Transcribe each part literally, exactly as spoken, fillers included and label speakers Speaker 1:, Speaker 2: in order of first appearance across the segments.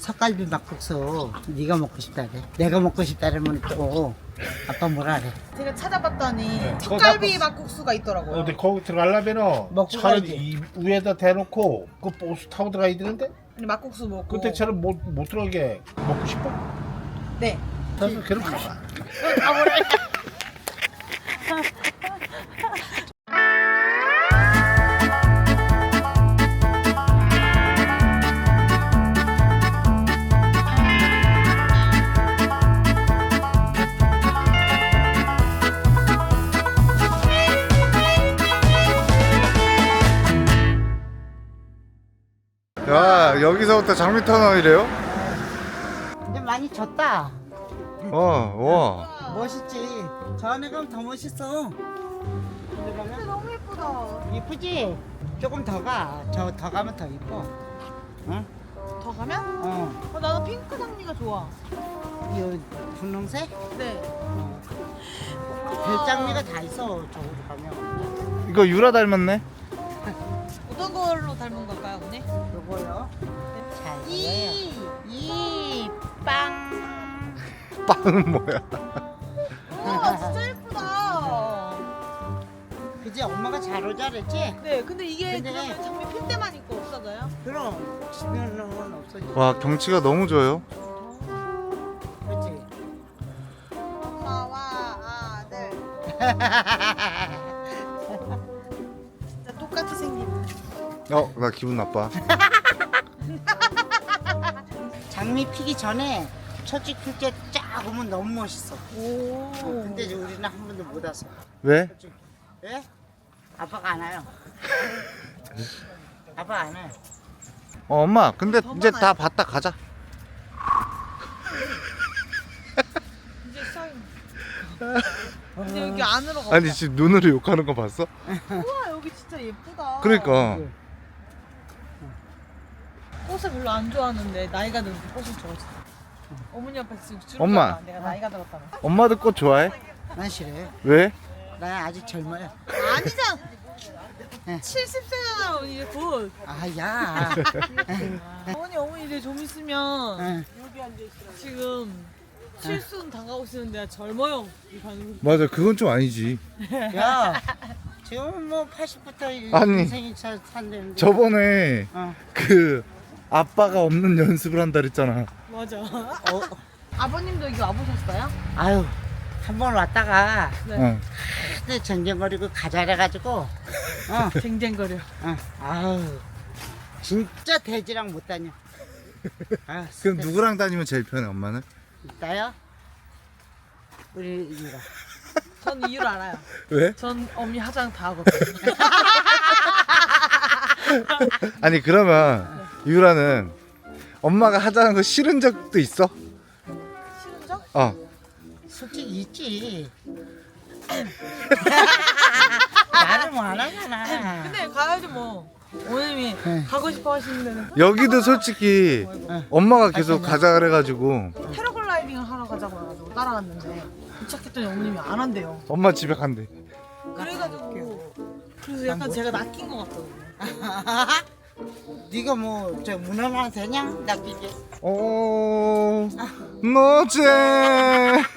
Speaker 1: 석갈비 막국수 네가 먹고 싶다래. 내가 먹고 싶다라면 또 아빠 뭐라 그래.
Speaker 2: 제가 찾아봤더니
Speaker 3: 네,
Speaker 2: 쑥갈비
Speaker 3: 그거
Speaker 2: 막국수가 있더라고요.
Speaker 3: 근데 거기 들어가려면은
Speaker 1: 먹고
Speaker 3: 차를
Speaker 1: 가야지.
Speaker 3: 이 위에다 대놓고 그 버스 타고 들어가야 되는데
Speaker 2: 아니 막국수 먹고.
Speaker 3: 그때 차는 못, 못 들어가게 먹고 싶어?
Speaker 2: 네.
Speaker 3: 그래서 그럼 가봐.
Speaker 4: 야, 여기서부터 장미 터널이래요?
Speaker 1: 근데 많이 졌다.
Speaker 4: 어, 와.
Speaker 1: 멋있지. 저 안에 가면 더 멋있어.
Speaker 2: 근데 너무 예쁘다.
Speaker 1: 이쁘지? 조금 더 가. 저 더 가면 더 이뻐. 응?
Speaker 2: 더 가면?
Speaker 1: 어.
Speaker 2: 어, 나는 핑크 장미가 좋아.
Speaker 1: 이 분홍색?
Speaker 2: 네.
Speaker 1: 어. 별장미가 다 있어. 저기로 가면.
Speaker 4: 이거 유라 닮았네?
Speaker 2: 어떤 걸로 닮은 걸까요, 언니?
Speaker 1: 요거요. 잘 보여요.
Speaker 2: 이.
Speaker 1: 이 빵.
Speaker 4: 빵은 뭐야?
Speaker 2: 우와, 진짜 예쁘다.
Speaker 1: 그지? 엄마가 잘 오자 그랬지?
Speaker 2: 네, 근데 이게
Speaker 1: 근데-
Speaker 2: 그러면 장미 필 때만 있고 없어져요?
Speaker 1: 그럼 지면은 없어지.
Speaker 4: 와, 경치가 너무 좋아요.
Speaker 1: 그치?
Speaker 2: 엄마와 아들 진짜 똑같이 생긴.
Speaker 4: 어, 나 기분 나빠.
Speaker 1: 장미 피기 전에 첫째 필때 쫙 오면 너무 멋있어.
Speaker 2: 오.
Speaker 1: 근데 이제 우리는 한 번도 못 왔어.
Speaker 4: 왜?
Speaker 1: 왜? 아빠가 안 와요. 아빠 안 와요.
Speaker 4: 어, 엄마, 근데
Speaker 2: 더
Speaker 4: 이제
Speaker 2: 많아요.
Speaker 4: 다 봤다 가자.
Speaker 2: 이제 시작. 이제 여기 안으로 가.
Speaker 4: 아니, 지금 눈으로 욕하는 거 봤어?
Speaker 2: 우와, 여기 진짜 예쁘다.
Speaker 4: 그러니까.
Speaker 2: 꽃을 별로 안 좋아하는데 나이가 들어서 꽃을 좋아했어. 어머니 앞에서 지금 주름
Speaker 4: 엄마.
Speaker 2: 잡아. 내가 나이가 들었다면.
Speaker 4: 엄마도 꽃 좋아해?
Speaker 1: 난 싫어요.
Speaker 4: 왜?
Speaker 1: 난 아직 젊어요.
Speaker 2: 아니잖아.
Speaker 1: 네.
Speaker 2: 칠십 세잖아 언니 곧.
Speaker 1: 아, 야.
Speaker 2: 어머니 어머니 이제 좀 있으면
Speaker 1: 응.
Speaker 2: 지금 칠순 다가오고 있는데 젊어요. 이 반응.
Speaker 4: 맞아, 그건 좀 아니지.
Speaker 1: 야. 지금 뭐 팔십부터
Speaker 4: 아니.
Speaker 1: 인생이 잘 산다는데.
Speaker 4: 저번에
Speaker 1: 어.
Speaker 4: 그 아빠가 없는 연습을 한다 그랬잖아.
Speaker 2: 맞아.
Speaker 1: 어.
Speaker 2: 아버님도 여기 와보셨어요?
Speaker 1: 아유. 한 번 왔다가
Speaker 2: 네.
Speaker 4: 어.
Speaker 1: 그때 전쟁거리고 가자 그래가지고 어.
Speaker 2: 쟁쟁거려.
Speaker 1: 어. 아유. 진짜 돼지랑 못 다녀. 아,
Speaker 4: 그럼 누구랑 다니면 제일 편해, 엄마는?
Speaker 1: 나요? 우리 이가.
Speaker 2: 전 이유를 알아요.
Speaker 4: 왜?
Speaker 2: 전 어머니 화장 다 하거든요.
Speaker 4: 아니, 그러면 유라는 엄마가 하자는 거 싫은 적도 있어?
Speaker 2: 싫은 적?
Speaker 4: 어.
Speaker 1: 솔직히 있지. 나를 뭐 안 하잖아.
Speaker 2: 근데 가야지 뭐. 어머님이
Speaker 1: 네.
Speaker 2: 가고 싶어 하시는 데는
Speaker 4: 여기도 솔직히 엄마가 계속 가자 그래가지고
Speaker 2: 패러글라이딩을 하러 가자고 해가지고 따라갔는데 도착했더니 어머님이 안 한대요.
Speaker 4: 엄마 집에 간대.
Speaker 2: 그래가지고 그래서 약간 제가 낚인 것 같거든요.
Speaker 1: 네가 뭐 저 문어만 되냐? 낚이게.
Speaker 4: 어, 너제.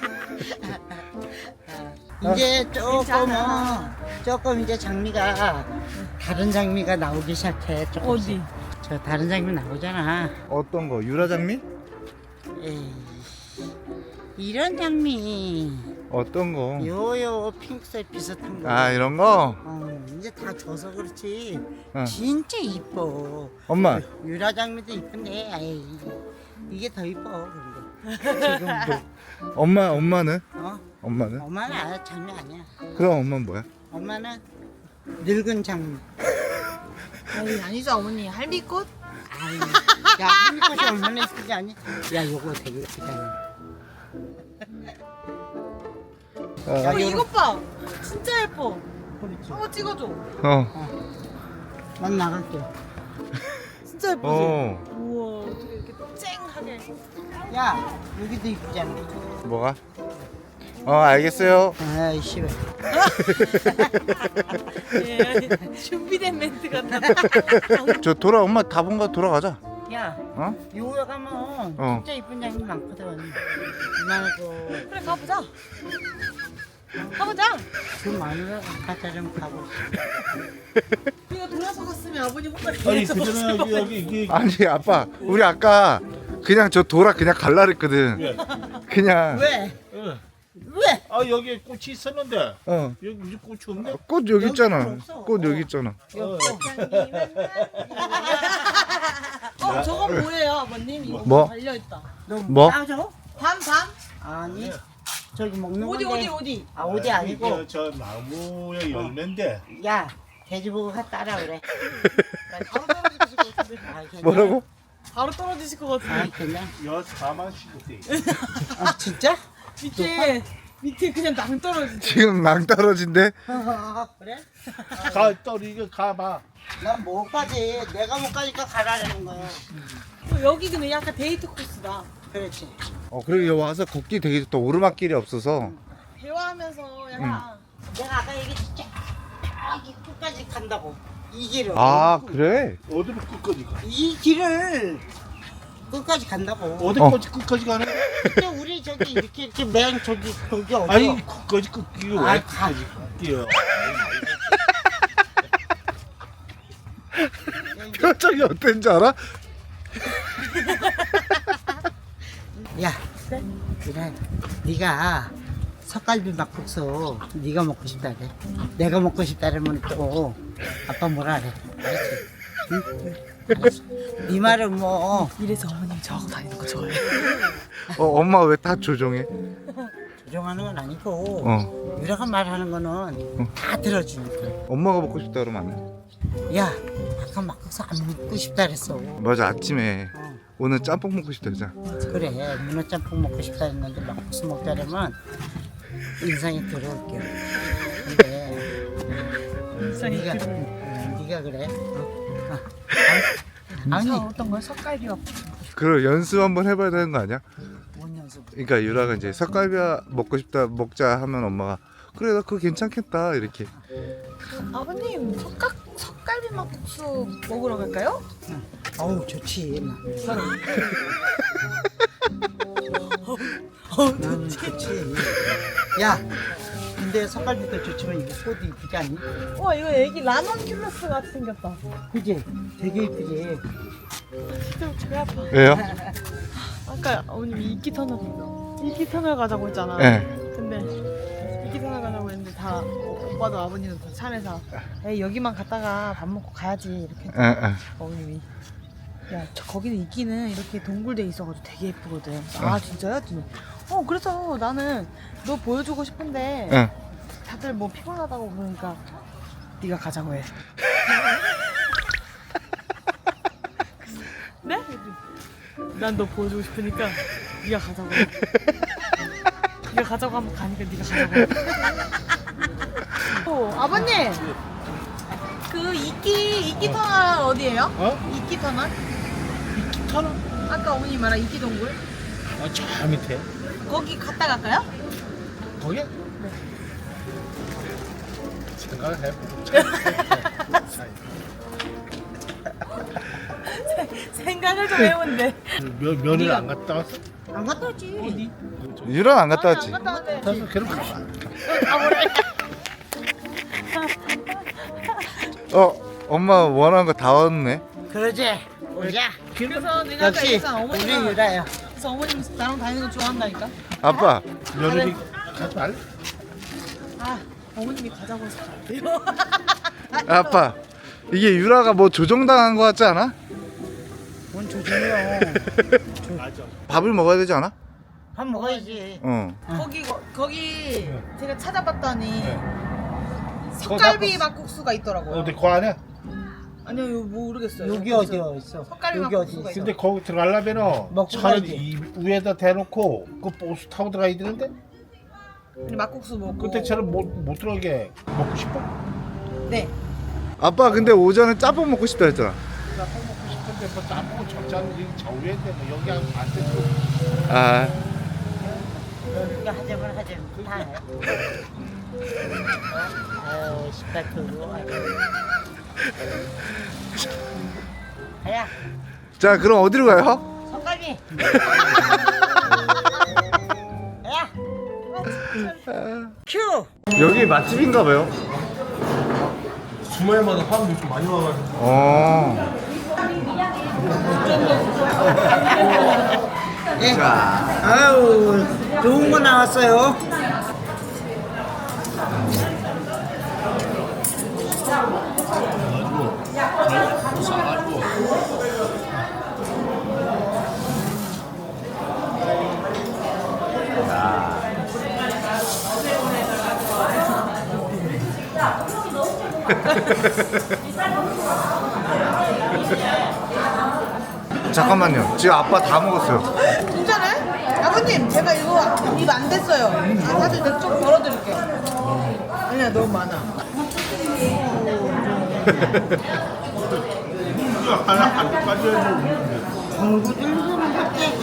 Speaker 1: 이제 조금은
Speaker 2: 괜찮아.
Speaker 1: 조금 이제 장미가 다른 장미가 나오기 시작해. 조금씩.
Speaker 2: 어디?
Speaker 1: 저 다른 장미 나오잖아.
Speaker 4: 어떤 거? 유라 장미?
Speaker 1: 에이, 이런 장미.
Speaker 4: 어떤 거?
Speaker 1: 요요 핑크색 비슷한 거.
Speaker 4: 아, 이런 거?
Speaker 1: 어, 이제 다 져서 그렇지.
Speaker 4: 응.
Speaker 1: 진짜 이뻐.
Speaker 4: 엄마,
Speaker 1: 유라 장미도 이쁜데, 아이, 이게 더 이뻐. 근데 지금도.
Speaker 4: 엄마, 엄마는?
Speaker 1: 어?
Speaker 4: 엄마는?
Speaker 1: 엄마는 아, 장미 아니야.
Speaker 4: 그럼 엄마는 뭐야?
Speaker 1: 엄마는 늙은 장미.
Speaker 2: 아니 아니죠 어머니 할미꽃?
Speaker 1: 아이, 야, 한미꽃이 얼마나 예쁘지 않니? 야, 요거 되게 예쁘잖아.
Speaker 4: 어,
Speaker 1: 야,
Speaker 2: 어
Speaker 1: 요런-
Speaker 2: 이것 봐 진짜 예뻐.
Speaker 1: 그렇지.
Speaker 2: 한번 찍어줘.
Speaker 4: 어,
Speaker 1: 난 나갈게.
Speaker 2: 진짜 예쁘지?
Speaker 4: 어,
Speaker 2: 우와 어떻게 이렇게 쨍하게.
Speaker 1: 야, 여기도 이쁘잖아.
Speaker 4: 뭐가? 어, 알겠어요.
Speaker 1: 아이, 씨발.
Speaker 2: 예, 준비된 멘트 같다.
Speaker 4: 저 돌아, 엄마 다 본 거 돌아가자.
Speaker 1: 야,
Speaker 4: 어?
Speaker 1: 요에 가면
Speaker 4: 어.
Speaker 1: 진짜 이쁜 양이 많거든. 이만하고
Speaker 2: 그래 가보자. 가보자.
Speaker 1: 그 마누라 가자면 가고.
Speaker 2: 우리가 돌아서 갔으면 아버님 혼자
Speaker 3: 아니
Speaker 2: 계속
Speaker 3: 그전에
Speaker 2: 없을
Speaker 3: 여기 여기 이게
Speaker 4: 아니 아빠 우리 아까 그냥 저 돌아 그냥 갈라 그랬거든.
Speaker 3: 왜?
Speaker 4: 그냥
Speaker 1: 왜?
Speaker 3: 어.
Speaker 1: 왜?
Speaker 3: 아 여기 꽃이 있었는데
Speaker 4: 어.
Speaker 3: 여기 무슨 꽃이 없네?
Speaker 4: 꽃 여기 있잖아.
Speaker 1: 여기 없어.
Speaker 4: 꽃 여기 있잖아.
Speaker 3: 어.
Speaker 2: 어 저건 뭐예요 아버님? 이거
Speaker 4: 뭐?
Speaker 2: 달려있다.
Speaker 1: 너
Speaker 4: 뭐?
Speaker 1: 따줘?
Speaker 2: 밤 밤?
Speaker 1: 아니. 저기 먹는
Speaker 2: 어디
Speaker 1: 건데.
Speaker 2: 어디 어디?
Speaker 1: 아 어디 아니고.
Speaker 3: 이게 저 나무의 열매인데
Speaker 1: 야 돼지보고 가 따라 그래.
Speaker 2: 바로 떨어지실 것 같은데.
Speaker 1: 아, 그냥-
Speaker 4: 뭐라고?
Speaker 2: 바로 떨어지실 것
Speaker 1: 아
Speaker 2: 같은데.
Speaker 1: 그냥.
Speaker 3: 여 사만 씩돼
Speaker 1: 아 진짜?
Speaker 2: 밑에 밑에 그냥 낭 떨어지지.
Speaker 4: 지금 낭떠러진데
Speaker 1: 그래?
Speaker 3: 가 떨어지게 가봐.
Speaker 1: 난 못 가지. 내가 못 가니까 가라는 거야.
Speaker 2: 어, 여기 근데 약간 데이트 코스다.
Speaker 1: 그렇지.
Speaker 4: 어 그리고 여기 와서 걷기 되게 좋다. 오르막길이 없어서.
Speaker 2: 대화하면서 약간
Speaker 1: 내가 아까 얘기했지. 저기 끝까지 간다고. 이 길을.
Speaker 4: 아 그래?
Speaker 3: 어디로 끝까지 가?
Speaker 1: 이 길을 끝까지 간다고.
Speaker 3: 어디
Speaker 4: 어.
Speaker 3: 끝까지 끝까지 가는 거야?
Speaker 1: 근데 우리 저기 이렇게 이렇게 맨 저기 거기 어디?
Speaker 3: 아니 끝까지 끝기
Speaker 1: 아,
Speaker 3: 왜
Speaker 1: 가.
Speaker 3: 끝까지 끼요?
Speaker 4: 표정이 어땠는지 알아?
Speaker 1: 야, 그래. 네가 석갈비 막국수 네가 먹고 싶다 그래. 내가 먹고 싶다 그러면 또 아빠 뭐라 그래. 알았지? 응? 알았어. 네 말은 뭐
Speaker 2: 이래서 어머님 저하고 다니는 거 좋아해요.
Speaker 4: 어 엄마 왜 다 조종해?
Speaker 1: 조정하는 건 아니고
Speaker 4: 어.
Speaker 1: 유라가 말하는 거는 다 들어주니까.
Speaker 4: 엄마가 먹고 싶다 그러면 안 돼?
Speaker 1: 야, 아까 막국수 안 먹고 싶다 그랬어.
Speaker 4: 맞아 아침에
Speaker 1: 어.
Speaker 4: 오늘 짬뽕 먹고 싶다 그러잖아.
Speaker 1: 그래, 문어짬뽕 먹고 싶다 했는데 막국수 먹자 그러면 인상이 들어올게. 근데
Speaker 2: 인상이
Speaker 1: 네가
Speaker 2: 들어올게.
Speaker 1: 네가 그래. 어? 어. 아니,
Speaker 2: 저
Speaker 1: 아니
Speaker 2: 어떤 걸 석갈비와
Speaker 4: 그럼 연습 한번 해봐야 되는 거 아니야?
Speaker 1: 뭔 연습?
Speaker 4: 그러니까 유라가 이제 석갈비 먹고 싶다 먹자 하면 엄마가 그래 나 그거 괜찮겠다 이렇게.
Speaker 2: 아버님 석갈 석갈비 막국수 먹으러 갈까요?
Speaker 1: 어우 좋지. 나.
Speaker 2: 어
Speaker 1: 나는 좋지. 야, 근데 석갈비도 좋지만 이거 꽃도 이쁘지 않니?
Speaker 2: 와 이거 애기 라넌큘러스 같이 생겼다.
Speaker 1: 그지? 되게 이쁘지.
Speaker 2: 진짜 배 아파.
Speaker 4: 왜요?
Speaker 2: 아까 어머님이 이끼 터널 이끼 터널 가자고 했잖아.
Speaker 4: 네.
Speaker 2: 근데 이끼 터널 가자고 했는데 다 오빠도 아버님도 다 차에서 에이 여기만 갔다가 밥 먹고 가야지 이렇게 했더니
Speaker 4: 응, 응.
Speaker 2: 어머님이 야 저 거기는 이끼는 이렇게 동굴돼 있어가지고 되게 예쁘거든. 아 진짜요? 했더니 어 그래서 나는 너 보여주고 싶은데
Speaker 4: 응.
Speaker 2: 다들 뭐 피곤하다고 그러니까 네가 가자고 해. 네? 난 너 보여주고 싶으니까 네가 가자고 해. 네가 가자고 하면 가니까 네가 가자고 해. 어, 아버님 그 이끼 이끼 터널 어디예요?
Speaker 3: 어?
Speaker 2: 이끼 터널?
Speaker 3: 터널?
Speaker 2: 아까 어머니 말한 이끼 동굴?
Speaker 3: 아저 밑에
Speaker 2: 거기 갔다 갈까요?
Speaker 3: 거기?
Speaker 2: 네.
Speaker 3: 생각을 해보자.
Speaker 2: 생각을 좀 해본대.
Speaker 3: 면 면을 안 갔다 왔어?
Speaker 1: 안 갔다 왔지.
Speaker 2: 어디?
Speaker 4: 유라 안 갔다 왔지?
Speaker 2: 안 갔다 왔대.
Speaker 3: 가서 그럼 가봐.
Speaker 4: 어 엄마 원하는 거 다 왔네.
Speaker 1: 그러지. 오자.
Speaker 2: 그래서 내가 아까
Speaker 1: 역시
Speaker 2: 얘기했잖아
Speaker 1: 우리
Speaker 2: 어머니가
Speaker 1: 유라야.
Speaker 2: 그래서 어머님 나랑 다니는 거 좋아한다니까.
Speaker 4: 아빠
Speaker 3: 며느리 가지 말래?
Speaker 2: 아 어머님이 가자고 해서
Speaker 4: 아빠 이게 유라가 뭐 조종당한 거 같지 않아?
Speaker 1: 뭔 조심해요.
Speaker 3: 맞아.
Speaker 4: 밥을 먹어야 되지 않아?
Speaker 1: 밥 먹어야지.
Speaker 4: 어.
Speaker 2: 거기 거, 거기 제가 찾아봤더니
Speaker 3: 네.
Speaker 2: 석갈비 막국수가 있더라고요.
Speaker 3: 어디 그 안에?
Speaker 2: 아니요 이거 모르겠어요.
Speaker 1: 여기 어디 있어?
Speaker 2: 석갈비
Speaker 1: 여기 어디
Speaker 2: 막국수가
Speaker 1: 있어?
Speaker 3: 근데 거기 들어가려면은
Speaker 1: 먹고
Speaker 3: 차를
Speaker 1: 가야지.
Speaker 3: 이 위에다 대놓고 그 버스 타고 들어가야 되는데
Speaker 2: 근데 막국수 먹고.
Speaker 3: 그때처럼 못, 못 들어가게 먹고 싶어?
Speaker 2: 네.
Speaker 4: 아빠 근데 오전에 짬뽕 먹고 싶다 했잖아.
Speaker 3: 짬뽕 먹고 싶은데 뭐 짬뽕은 적잖은 저 위에인데 뭐 여기 안 되고
Speaker 4: 아
Speaker 1: 이거 하자면 하자면 다 해. 아유, 십팔 도로. 아야,
Speaker 4: 자, 그럼 어디로 가요?
Speaker 1: 석갈비. 야. 큐.
Speaker 4: 여기 맛집인가 봐요.
Speaker 3: 주말마다 사람들이 좀 많이 와가지고.
Speaker 4: 어.
Speaker 1: 예. 아유, 좋은 거 나왔어요.
Speaker 4: 잠깐만요. 지금 아빠 다 먹었어요.
Speaker 2: 진짜네? 아버님 제가 이거 입 안 됐어요. 아, 사실 내가 좀 덜어드릴게요. 아니야 너무 많아.
Speaker 3: 하나 한까지 해도
Speaker 1: 공부 들고는 할게.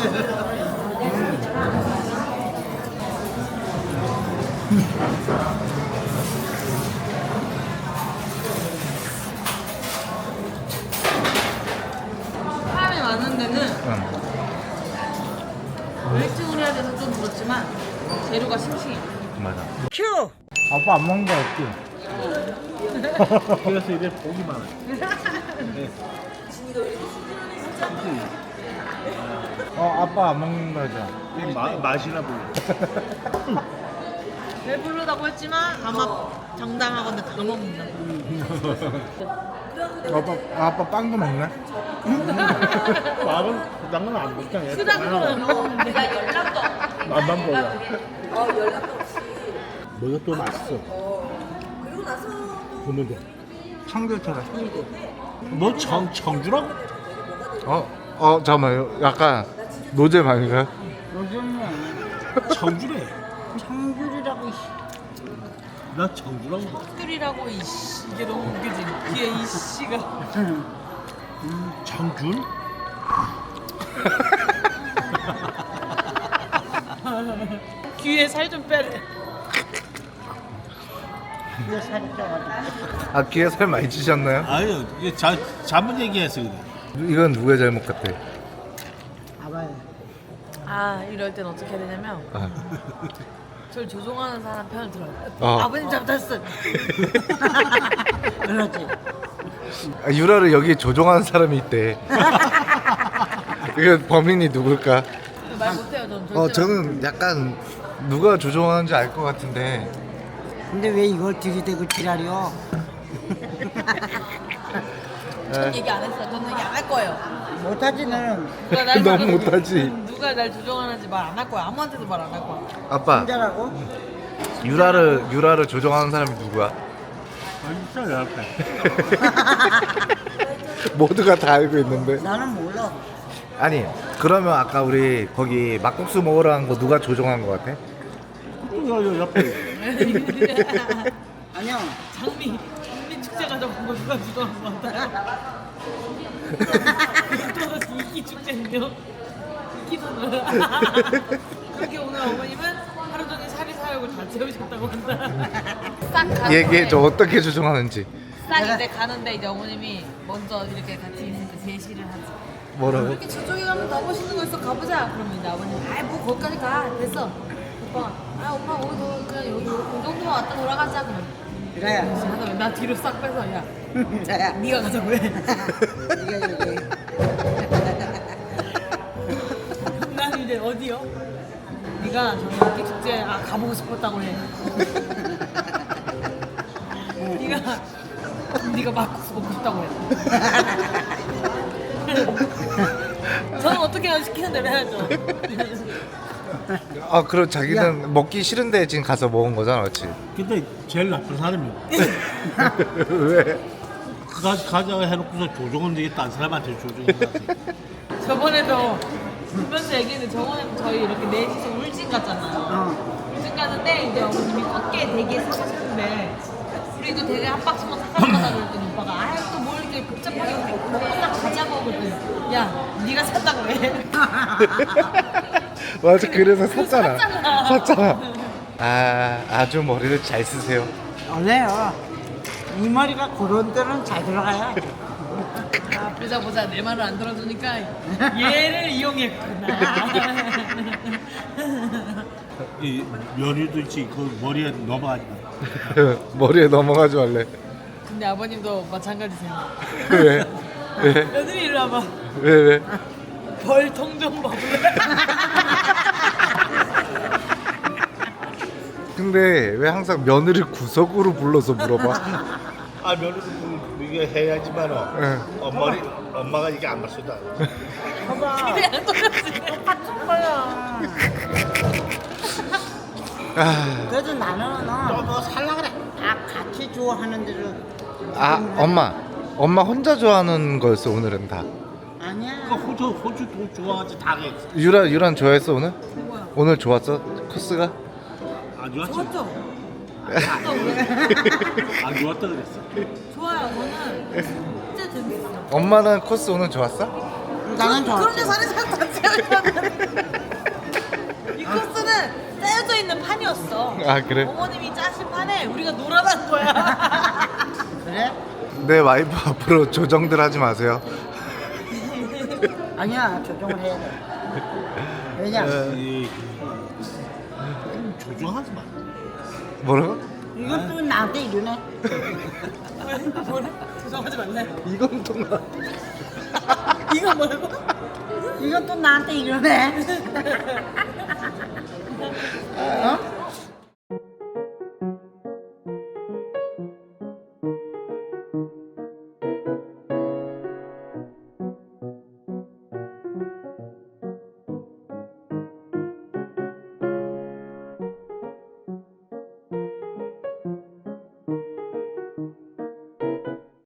Speaker 2: 사람이 많은 데는
Speaker 4: 응.
Speaker 2: 웨이팅을 해야 돼서 좀 그렇지만 재료가 싱싱해.
Speaker 4: 맞아.
Speaker 1: 큐.
Speaker 4: 아빠 안 먹는 거 없지?
Speaker 3: 그래서 이제 복이 많아.
Speaker 4: 어, 아빠 안 먹는 거죠?
Speaker 3: 이 마, 맛이나 보여.
Speaker 2: 배부르다고 했지만 아마 장담하건대 다 먹는다.
Speaker 4: 아빠, 아빠 빵도 먹네?
Speaker 3: 밥은 그딴 건안 먹잖아.
Speaker 2: 크다는 거는 먹는데
Speaker 3: 맛만 보여. 어, 연락도 없이. 뭐가 또 맛있어. 그리고 나서. 보면 돼.
Speaker 4: 청교차가.
Speaker 3: 뭐 청, 청주라고?
Speaker 4: 어? 어, 잠깐만요. 약간 노잼 아닌가요?
Speaker 1: 요즘은
Speaker 3: 청주래.
Speaker 1: 청귤이라고.
Speaker 3: 나 청주라고. 봐.
Speaker 2: 귤이라고 이씨 이게 너무 웃기지. 뒤에 이씨가
Speaker 3: 청준?
Speaker 2: 귀에 살 좀 빼래.
Speaker 1: 이거 살이 쪄가지고.
Speaker 4: 아, 귀에 살 많이 찌셨나요?
Speaker 3: 아유, 이게 자, 잘못 얘기해서 그래.
Speaker 4: 이건 누구의 잘못 같아?
Speaker 1: 봐봐요.
Speaker 2: 아 이럴 땐 어떻게 해야 되냐면
Speaker 4: 아.
Speaker 2: 저를 조종하는 사람 편을 들어요.
Speaker 4: 어.
Speaker 2: 아버님 잘못했어.
Speaker 1: 그렇지.
Speaker 4: 아, 유라를 여기 조종하는 사람이 있대. 이거 범인이 누굴까?
Speaker 2: 말 못해요 전. 절대
Speaker 4: 어, 저는 약간 누가 조종하는지 알 것 같은데.
Speaker 1: 근데 왜 이걸 들이대고 지랄이요?
Speaker 2: 전 얘기 안 했어요. 저는 얘기 안 할 거예요.
Speaker 1: 못하지 너는.
Speaker 2: 누가 날
Speaker 4: 너무
Speaker 2: 조종-
Speaker 4: 못하지.
Speaker 2: 누가 날 조종하는지 말 안 할 거야. 아무한테도 말 안 할 거야.
Speaker 4: 아빠,
Speaker 1: 혼자라고?
Speaker 4: 유라를 유라를 조종하는 사람이 누구야?
Speaker 3: 아, 진짜 옆에.
Speaker 4: 모두가 다 알고 있는데.
Speaker 1: 나는 몰라.
Speaker 4: 아니, 그러면 아까 우리 거기 막국수 먹으러 간 거 누가 조종한 거 같아?
Speaker 3: 요, 요 옆에.
Speaker 1: 아니요.
Speaker 2: 장미 장미 축제 가자고 거 누가 조종한 거 같아. 또 이기 축제는요? 이기는 그렇게 오늘 어머님은 하루 종일 사리 사욕을 다 채우셨다고 한다. 싹 가는데
Speaker 4: 얘기해줘, 어떻게 조종하는지.
Speaker 2: 싹 이제 가는데 이제 어머님이 먼저 이렇게 같이 있을 때 제시를 하지.
Speaker 4: 뭐라고?
Speaker 2: 이렇게 저쪽에 가면 더 멋있는 거 있어 가보자. 그러면 이제 아버님 아이 뭐 거기까지 가 됐어. 오빠가 아 오빠 오늘 너 그냥 여기 이 정도만 왔다 돌아가자 그러면.
Speaker 1: 유라야.
Speaker 2: 하다 나 뒤로 싹 빼서 야
Speaker 1: 유라야.
Speaker 2: 네가 가자고 해.
Speaker 1: 네가 얘기해.
Speaker 2: 난 이제 어디요? 네가 저기 이기 축제 아 가보고 싶었다고 해. 네가 네가 막국수 먹고 싶다고 해. 저는 어떻게 시키는 대로 해야죠.
Speaker 4: 아, 그럼 자기는 먹기 싫은데 지금 가서 먹은 거잖아, 그렇지?
Speaker 3: 근데 제일 나쁜 사람이야.
Speaker 4: 왜?
Speaker 3: 가, 가자 해놓고서 조종은 되게 딴 사람한테 조종해야지.
Speaker 2: 저번에도 분명히 얘기했는데 저번에도 저희 이렇게 넷이서 울진 갔잖아요.
Speaker 1: 어.
Speaker 2: 울진 가는데 이제 어머님이 꽃게 되게 사가셨는데 우리도 되게 한 박스만 사가려다 그랬더니 오빠가 아유 또 뭘 이렇게 복잡하게 먹고 딱 가자고 그랬더니 야 네가 샀다고 해.
Speaker 4: 맞아, 그래서 샀잖아.
Speaker 2: 샀잖아.
Speaker 4: 샀잖아. 아, 아주 머리를 잘 쓰세요.
Speaker 1: 원래요. 이 머리가 그런 데는 잘 들어가요.
Speaker 2: 아 보자 보자 내 말을 안 들어주니까 얘를 이용했구나.
Speaker 3: 이 면류도 있지 그 머리에 넘어가지 마.
Speaker 4: 머리에 넘어가지 말래.
Speaker 2: 근데 아버님도 마찬가지세요.
Speaker 4: 왜? 왜?
Speaker 2: 며느리 일로 와봐.
Speaker 4: 왜 왜?
Speaker 2: 벌통 좀 먹을래?
Speaker 4: 근데 왜 항상 며느리 구석으로 불러서 물어봐?
Speaker 3: 아 면류도 이게 해야지만 어.
Speaker 4: 응.
Speaker 3: 엄마리 엄마가 이게 안 맞춰도 안 돼.
Speaker 1: 봐봐.
Speaker 2: 그냥 똑같이.
Speaker 1: 똑같은 거야.
Speaker 4: 아,
Speaker 1: 그래도 나는 너뭐 살라 그래. 아 같이 좋아하는 대로.
Speaker 4: 아 엄마 엄마 혼자 좋아하는 거였어 오늘은 다.
Speaker 3: 그
Speaker 1: 아니야.
Speaker 3: 호주 호주 돈 좋아하지 다 해.
Speaker 4: 유라 유란 좋아했어 오늘?
Speaker 2: 뭐야?
Speaker 4: 오늘 좋았어 코스가?
Speaker 3: 안 좋았지?
Speaker 2: 좋았죠?
Speaker 3: 안 좋았다 그랬어.
Speaker 2: 좋아요. 저는 진짜 재밌어.
Speaker 4: 엄마는 코스 오늘 좋았어?
Speaker 1: 나는
Speaker 2: 그런데
Speaker 1: 좋아.
Speaker 2: 살이 살다 찌우면 이 코스는 짜여져 있는 판이었어.
Speaker 4: 아 그래?
Speaker 2: 어머님이 짜신 판에 우리가 놀아난 거야.
Speaker 1: 그래?
Speaker 4: 내 와이프 앞으로 조정들 하지 마세요.
Speaker 1: 아니야 조정을 해야 돼. 왜냐?
Speaker 3: 이 좀 조정하지 마.
Speaker 4: 뭐라고?
Speaker 1: 이것도 나한테 이러네.
Speaker 2: 뭐래? 조정하지 말래.
Speaker 4: 이건 또 나.
Speaker 2: 이거 뭐라고?
Speaker 1: 이것도 나한테 이러네. 어?